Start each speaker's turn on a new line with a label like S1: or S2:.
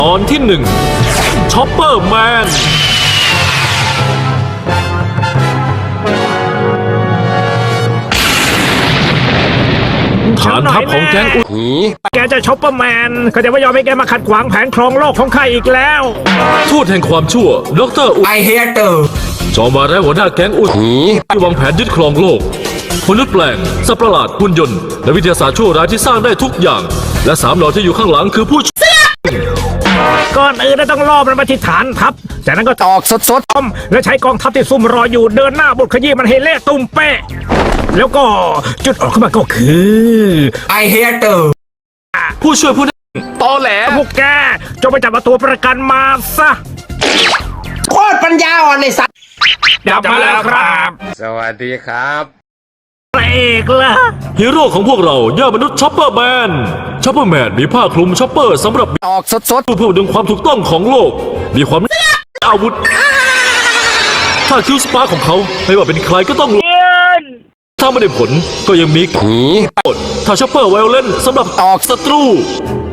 S1: ตอนที่1ช็อปเปอร์แมนฐานทัพของแก๊งอุหี
S2: แกจะช็อปเปอร์แมนก็จะไม่ยอมให้แกมาขัดขวางแผนครองโลกของข้าอีกแล้ว
S1: ทูตแห่งความชั่วดรอุ
S3: I hate you
S1: จอมมาแล้วหัวหน้าแก๊งอุหีที่วางแผนยึดครองโลกมนุษย์แปลงสัตว์ประหลาดหุ่นยนต์และวิทยาศาสตร์ชั่วร้ายที่สร้างได้ทุกอย่างและ3หลอดที่อยู่ข้างหลังคือผู้
S2: ก่อนอื่นต้องล่อมันมาที่ฐานทัพจากนั้นก็ตอกสดๆและใช้กองทัพที่ซุ่มรออยู่เดินหน้าบุกขยี้มันให้เละตุ้มเป๊ะแล้วก็จุดออกเข้ามาก็คือ
S3: I hate you
S1: ผู้ช่วยผู้
S2: ตอแหลพวกแกจงไปจับตัวประกันมาซะ
S3: โคตรปัญญาอ่อนไอ้สัตว์
S2: จับมาแล้วครับ
S4: สวัสดีครับ
S2: พระเอกล่ะ
S1: ฮีโร่ของพวกเรายอดมนุษย์ช็อปเปอร์แมนช็อปเปอร์แมนมีผ้าคลุมช็อปเปอร์สำหรับ
S3: ตอกสด
S1: เพื่อดึงความถูกต้องของโลกมีความอาวุธถ้าคิวสปาร์ของเขาไม่ว่าเป็นใครก็ต้องถ้าไม่ได้ผลก็ยังมีถ้าช็อปเปอร์ไวโอเลนสำหรับ
S3: ตอก
S1: ศัตรู